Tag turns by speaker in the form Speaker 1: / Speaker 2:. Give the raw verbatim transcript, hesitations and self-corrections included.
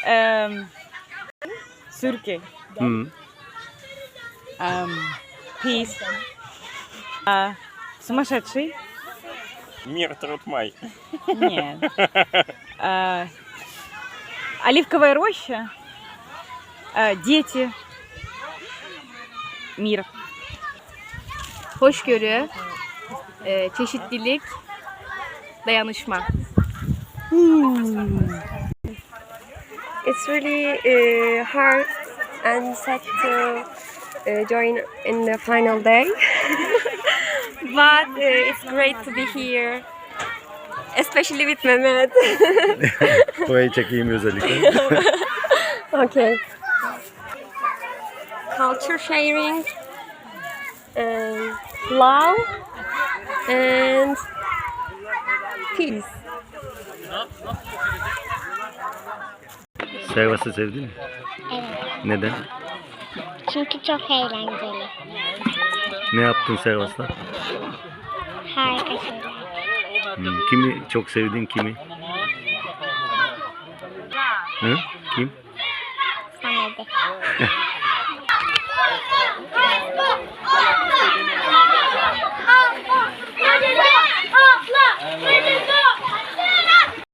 Speaker 1: Um, Turkey.
Speaker 2: Hmm.
Speaker 1: Um, peace. Uh, сумасшедший.
Speaker 3: Мир, труд, май.
Speaker 1: Нет. Uh, оливковая роща. Uh, дети. Мир.
Speaker 4: Hoşgörü, e, çeşitlilik, dayanışma.
Speaker 5: It's really uh, hard and sad to uh, join in the final day, but uh, it's great to be here, especially with Mehmet.
Speaker 2: Burayı çekeyim özellikle.
Speaker 5: Okay. Culture sharing, and love, and peace.
Speaker 2: Servas'ı sevdin mi?
Speaker 6: Evet.
Speaker 2: Neden?
Speaker 6: Çünkü çok eğlenceli.
Speaker 2: Ne yaptın Servas'ta?
Speaker 6: Harika şeyler.
Speaker 2: Hmm. Kimi çok sevdin, kimi? Hı? Kim?
Speaker 6: Sana de.